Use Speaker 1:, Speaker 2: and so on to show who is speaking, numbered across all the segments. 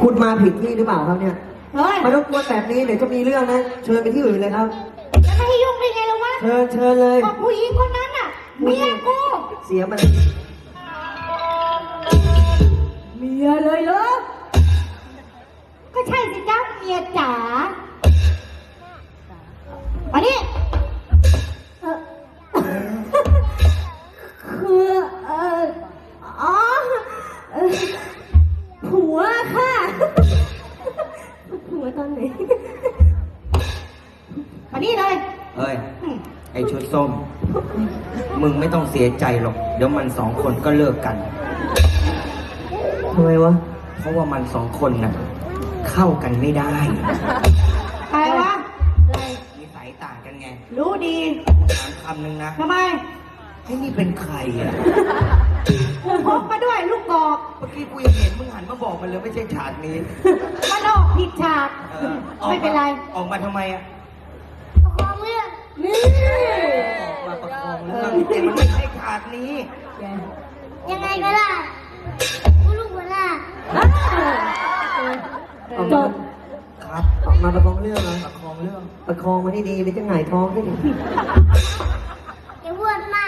Speaker 1: คุณมาผิดที่หรือเปล่าครับเนี่ย
Speaker 2: เฮ้ย
Speaker 1: มารบกวนแบบนี้เดี๋ยวจะมีเรื่องนะเชิญไปที่อื่นเลยครับ
Speaker 2: จะไม่ให้ยุ่งได้ไงล่ะวะ
Speaker 1: เชิญเลย
Speaker 2: บอกผู้หญิงคนนั้นน่ะเมียกู
Speaker 1: เสียมัน
Speaker 2: เมียเลยเหรอก็ใช่สิจ้าเมียจ๋ามานี่คืออ๋อผัวค่ะผัวตอนไหนมานี่เลย
Speaker 3: เฮ้ย ไอชุดส้ม มึงไม่ต้องเสียใจหรอก เดี๋ยวมันสองคนก็เลิกกัน
Speaker 1: ทำไมวะ
Speaker 3: เพราะว่ามันสองคนน่ะเข้ากันไม่ได้
Speaker 2: ใครวะ
Speaker 3: นิสัยต่างกันไง
Speaker 2: รู้ดี
Speaker 3: ถามคำหนึ่งนะ
Speaker 2: ทำไม
Speaker 3: ไอ้นี่เป็นใครอ่ะ
Speaker 2: พกมาด้วยลูกกอก
Speaker 3: เมื่อกี้กูยังเห็นมึงหันมาบอกมันเลยไม่ใช่ฉากนี้
Speaker 2: มันออกผิดฉาก
Speaker 3: ออ
Speaker 2: ไม่เป็นไร
Speaker 3: ออกมาทำไมอ่ะ
Speaker 2: ประคองเรื่องนี่
Speaker 3: มาประคองเรื่องแต่มันไม่ใช่ฉากนี้
Speaker 2: ยังไงก็ได้กูลูกหัวหน้า
Speaker 1: ออกมา
Speaker 3: ครับ
Speaker 1: ออกมาประคองเรื่องเหรอ
Speaker 3: ประคองเรื่อง
Speaker 1: ประคองมาที่ดีไปจะหงายท้องได้ดิ
Speaker 2: อย่าพูดมาก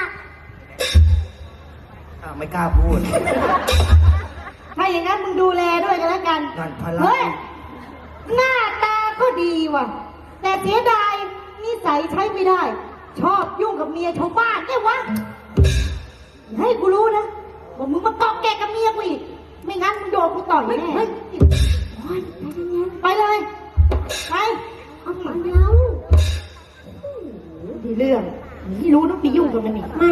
Speaker 3: ไม่กล้าพูด
Speaker 2: ถ้าอย่างนั้นมึงดูแลด้วยกันแล้วกัน
Speaker 3: นั่นพลัง
Speaker 2: เฮ้ย หน้าตาก็ดีว่ะ แต่เสียดายนิสัยใช้ไม่ได้ ชอบยุ่งกับเมียชาวบ้านเนี่ยวะอย่าให้กูรู้นะว่ามึงมาเกาะแกะกับเมียกูอีกไม่งั้นมึงโดนกูต่อยแน่ไปเลย ไปเอาหมาแล้วดีเรื่องไม่รู้ต้องไปยุ่งกับมันอีกไม่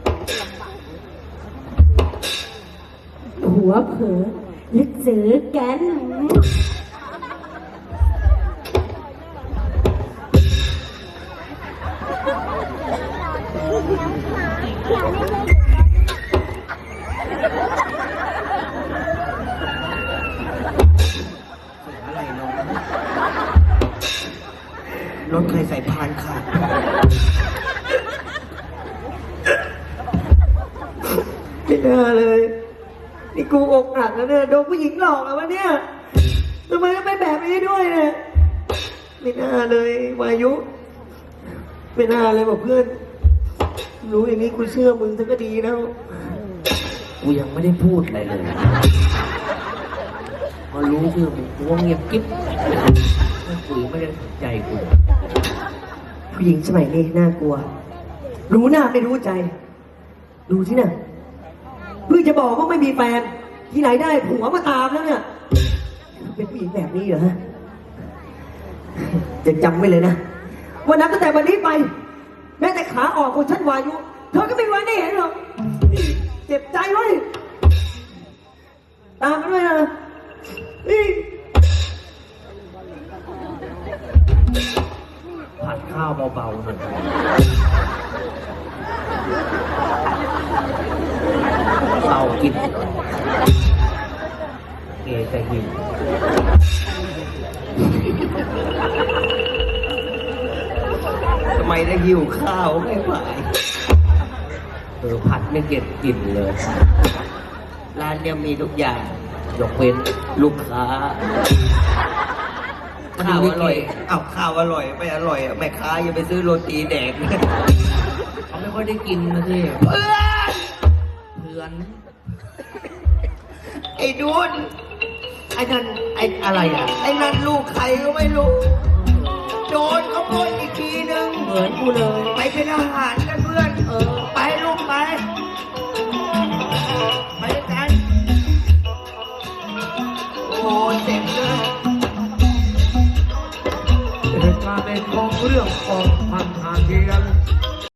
Speaker 2: หัวเผลอลึกซื้อกัน
Speaker 3: อะไรน้องรถใครใส่พานขาด
Speaker 1: ไม่น่าเลยนี่กูอกหักแล้วเนี่ยโดนผู้หญิงหลอกแล้ววะเนี่ยทำไมต้องเป็นแบบนี้ด้วยเนี่ยไม่น่าเลยวายุไม่น่าเลยบอกเพื่อนรู้อย่างนี้กูเชื่อมึงซะก็ดีแล้ว
Speaker 3: กูยังไม่ได้พูดอะไรเลย พอรู้ชื่อมึงกูว่าเงียบกิ๊บไม่คุยไม่ได้สนใจกู
Speaker 1: ผู้หญิงสมัยนี้น่ากลัว รู้หน้าไม่รู้ใจ ดูที่น่ะเพิ่งจะบอกว่าไม่มีแฟน ที่ไหนได้ผัวมาตามแล้วเนี่ย เป็นผู้หญิงแบบนี้เหรอฮะจะจำไว้เลยนะวันนั้นตั้งแต่วันนี้ไป แม้แต่ขาออกของฉันวายุเธอก็ไม่ไว้ได้เห็นหรอกเจ็บใจเว้ยตามมาด้วยนะนี่
Speaker 3: ผัดข้าวเบาๆหน่อยเบากินเกจะหิวทำไมได้หิวข้าวไม่ไหวผัดไม่เก็บกลิ่นเลย ร้านเนี่ยมีทุกอย่าง ยกเว้นลูกค้า ข้าวอร่อยข้าวอร่อยไม่อร่อยแม่ค้าอย่าไปซื้อโรตีแดกเขาไม่ค่อยได้กินนะที่เพื่อนไอ้ดุนไอ้นั่นไอ้อะไรอ่ะไอ้นั่นลูกใครก็ไม่รู้โดนขโมยอีกทีนึงเหมือนกูเลยไปเป็นอาหารกันเพื่อนไปลูกไปด้วยกันโอ้เจ็บเลย
Speaker 4: เหตุการณ์ในกองเรื่องของพันธาเทีย